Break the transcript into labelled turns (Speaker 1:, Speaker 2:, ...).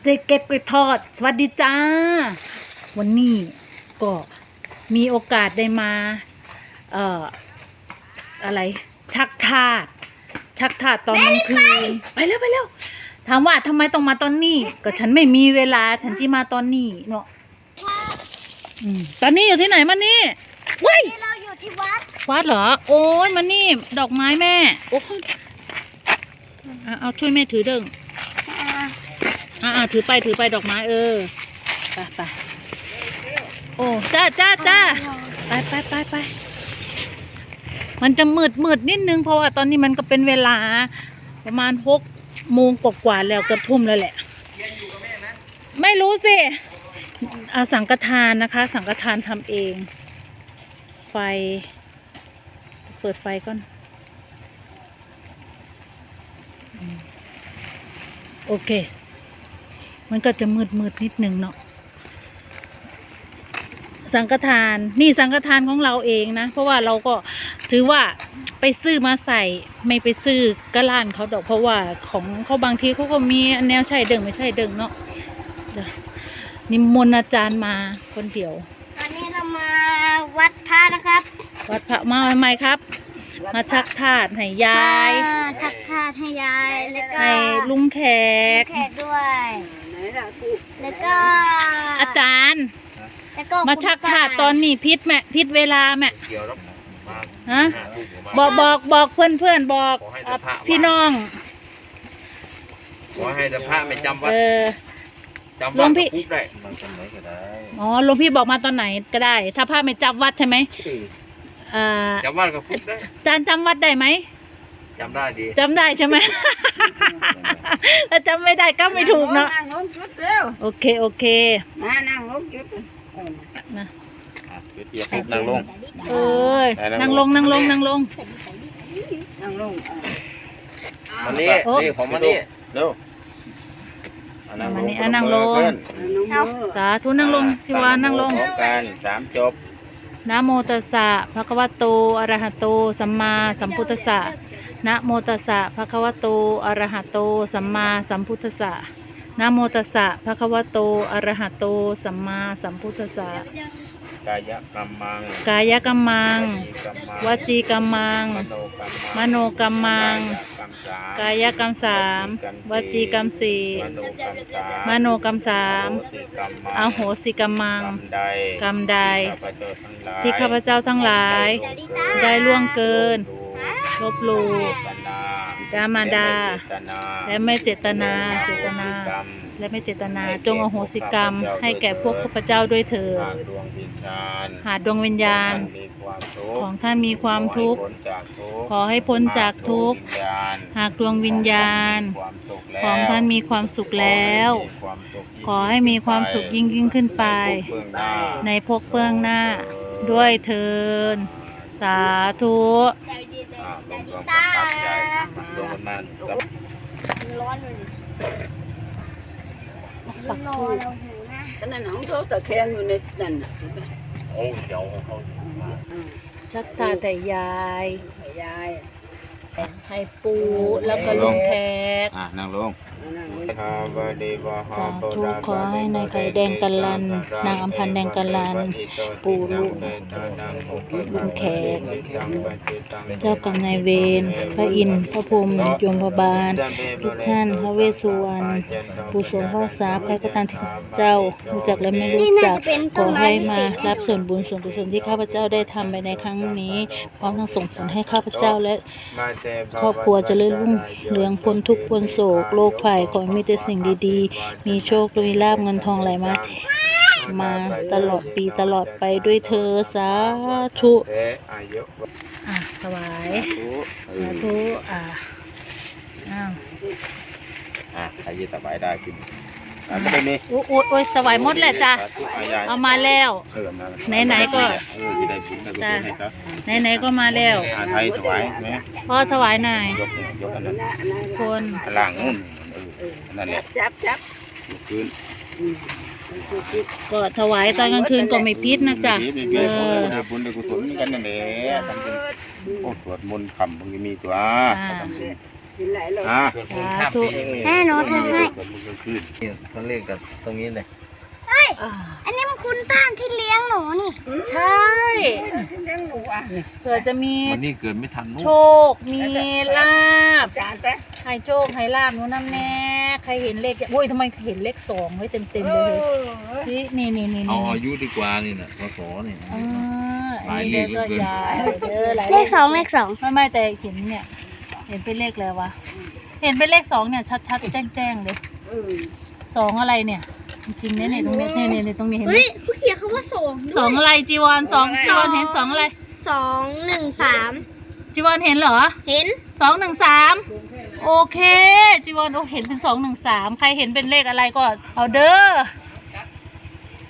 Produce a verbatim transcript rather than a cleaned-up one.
Speaker 1: เจ๊เก็บกล้วยทอดสวัสดีจ้าวันนี้ก็มีโอกาสได้มาเอ่ออะไรชักทาสชักทาสตอนกลางคืนไปเร็วไปเร็วถามว่าทำไมต้องมาตอนนี้ก็ฉันไม่มีเวลาฉันจะมาตอนนี้เนาะอืมตอนนี้อยู่ที่ไหนมันนี่ว้าย
Speaker 2: เราอยู่ที่วัด
Speaker 1: วัดเหรอโอ้ยมันนี่ดอกไม้แม่โอ้ยเอาช่วยแม่ถือเด้งอ่าถือไปถือไปดอกไม้เออไปไปโอ้จ้าจ้าจ้าไปไปไปไปมันจะมืดมืดนิดนึงเพราะว่าตอนนี้มันก็เป็นเวลาประมาณหกโมงกว่าๆแล้วเกือบทุ่มแล้วแหละไม่รู้สิเอาสังฆทานนะคะ สังฆทานทำเองไฟเปิดไฟก่อนโอเคมันก็จะมืดมืดนิดนึงเนาะสังฆทานนี่สังฆทานของเราเองนะเพราะว่าเราก็ถือว่าไปซื้อมาใส่ไม่ไปซื้อกระลานเขาดอกเพราะว่าของเขาบางทีเขาก็มีแนวใช่เดิงไม่ใช่เดิงเนาะนิมนต์อาจารย์มาคนเดียว
Speaker 2: ตอนนี้เรามาวัดพระนะครับ
Speaker 1: วัดพระมาทำไมครับมาชักทาสให้ยาย
Speaker 2: ชักทาสให้ยายแล้วก็
Speaker 1: ให้ลุงแขก
Speaker 2: แขกด้วยแล้วก็
Speaker 1: อาจารย์มาชักทาสตอนนี้พิษแม่พิษเวลาแม่ฮะบอกบอกบอกเพื่อนเพื่อนบอกพี่น้อง
Speaker 3: ขอให้พระไม่จำวัดจำ
Speaker 1: วั
Speaker 3: ด
Speaker 1: พี่
Speaker 3: ได้
Speaker 1: อ๋อหลวงพี่บอกมาตอนไหนก็ได้ถ้าพระไม่จำวัดใช่ไหม
Speaker 3: จำวัดก็พูดได้
Speaker 1: อาจารย์จำวัดได้ไหม
Speaker 3: จำได้ดี
Speaker 1: จำได้ใช่ไหมถ้าจำไม่ได้ก็ไม่ถูกเนาะโอเคโอเค
Speaker 2: มานั่งลงจุด
Speaker 1: นะ
Speaker 3: เปียกนั่งลง
Speaker 1: เอ้ยนั่งลงนั่งลงนั่งลง
Speaker 2: นั่งลง
Speaker 3: มานี่นี่ผมมานี่เร็ว
Speaker 1: มานี่นั่งลงสาธุนั่งลงชิวานั่งลง
Speaker 3: กันสามจบ
Speaker 1: นะโมตัสสะภะคะวะโตอะระหะโตสัมมาสัมพุทธัสสะนะโมตัสสะภะคะวะโตอะระหะโตสัมมาสัมพุทธัสสะนะโมตัสสะภะคะวะโตอะระหะโตสัมมาสัมพุทธัสสะ
Speaker 3: กายกรรมัง
Speaker 1: กายกรรมังวจีกรรมังมโนกรรมังกายกรรมสามวจีกรรมสี่มโนกรรมสามอโหสิกรรมังกรรมใดที่ข้าพเจ้าทั้งหลายได้ล่วงเกินลบหลู่ดามาดาและไม่เจตนาเจตนาและไม่เจตนาจงอโหสิกรรมให้แก่พวกข้าพเจ้าด้วยเถิดหากดวงวิญญาณของท่านมีความทุกข์ขอให้พ้นจากทุกข์หากดวงวิญญาณของท่านมีความสุขแล้วขอให้มีความสุขยิ่งยิ่งขึ้นไปในภพเบื้องหน้าด้วยเถิดสาธุ
Speaker 2: ร้อนเลยปักทูบ
Speaker 4: ก็นั่นของเขาตะแคงอยู่ในนั่น
Speaker 3: โอ้เดี๋ยวเขา
Speaker 1: ชักตาแต่ยาย
Speaker 4: ยาย
Speaker 1: ให้ปูแล้วก็ลุงแขก
Speaker 3: อ่ะนั่งลง
Speaker 1: สาธุขอให้นายไก่แดงกันลันนางอำพันแดงกันลันปู่ลูกลุงแขกเจ้ากรรมนายเวรพระอินทร์พระพรหมยมพบาลทุกท่านพระเวสสุวรรณปู่สมพ่อสาใครก็ตามที่เจ้ารู้จักและไม่รู้จักขอให้มารับส่วนบุญส่วนกุศลที่ข้าพเจ้าได้ทำไปในครั้งนี้พร้อมทั้งส่งผลให้ข้าพเจ้าและครอบครัวเจริญรุ่งเรืองพ้นทุกข์พ้นโศกโรคภัยขอมีแต่สิ่งดีๆมีโชคมีลาภเงินทองไหลมามาตลอดปีตลอดไปด้วยเธอสาธุอ่ะถวายสาธุอ่ะอ้าว
Speaker 3: อ่ะใครจะสบายได้กินอ่ะก็ได้นี่
Speaker 1: โอ้โอ้ยสวายหมดแหละจ้ะเอามาแล้วไหนๆก็จ้ะไหนๆก็มาแล้ว
Speaker 3: ไทยสวายไหม
Speaker 1: พ่อถวายหน่อย
Speaker 3: ยกยกอันนั้น
Speaker 1: คน
Speaker 3: หลังนู่นนั่นแหละ
Speaker 4: จับจับ
Speaker 3: คืน
Speaker 1: ก็ถวายตอนกลางคืนก็ไม่พิษนะจ๊ะ
Speaker 3: เออบุญได้กุศลกันนั่นแหละทำเป็นโอ้สวดมนต์คำบางทีมีตัวทำเป็น
Speaker 4: กินหลายเลย
Speaker 3: อ่าส่วนบุญข้ามปีนี่
Speaker 2: แม่หนูทำให้
Speaker 3: ส่วนบุญกลางคืนนี่เขาเรียกกันตรงนี้เลย
Speaker 1: อ่า
Speaker 2: อันนี้มันคุณต้านที่เลี้ยงหนูนี่
Speaker 1: ใช่
Speaker 4: เลี้ยงหนูอ่ะ
Speaker 1: เผื่อจะมี
Speaker 3: วันนี้เกิดไม่ทันนู้น
Speaker 1: โชค มีลาบ
Speaker 4: จานไป
Speaker 1: ให้โชคให้ลาบหนูน้ำแน่ใครเห็นเลขโอ้ยทำไมเห็นเลขสองไว้เต็มเต็มๆเลยนี่นี่นี่นี่
Speaker 3: เอา
Speaker 1: นี่
Speaker 3: อายุดีกว่านี่นะพศนี่
Speaker 1: อ่า
Speaker 3: หลาย
Speaker 1: อัน
Speaker 3: เล
Speaker 1: นี้
Speaker 3: ข
Speaker 1: ก็
Speaker 3: เหลือเกิน
Speaker 1: ยายเออหลาย
Speaker 2: เลขสองเลขสอง
Speaker 1: ไม่ไม่แต่เห็นเนี่ย เห็นเป็นเลขเลยวะเห็นเป็นเลขสองเนี่ยชัดๆแจ้งๆเลย
Speaker 4: เออ
Speaker 1: สองอะไรเนี่ย จริงๆเนี่ยเนี่ยตรงนี้เนี่ยเนี่ยเนี่ยตรงนี้เห็นไหม
Speaker 2: เฮ้ยผู้เขียนเขาว่าสอง
Speaker 1: สองอะไรจีวรสองจีวรเห็นสองอะไร
Speaker 2: สองหนึ่งสาม
Speaker 1: จีวรเห็นเหรอ
Speaker 2: เห็น
Speaker 1: สองหนึ่งสามโอเคจีวรโอเห็นเป็นสองหนึ่งสามใครเห็นเป็นเลขอะไรก็เอาเด้อ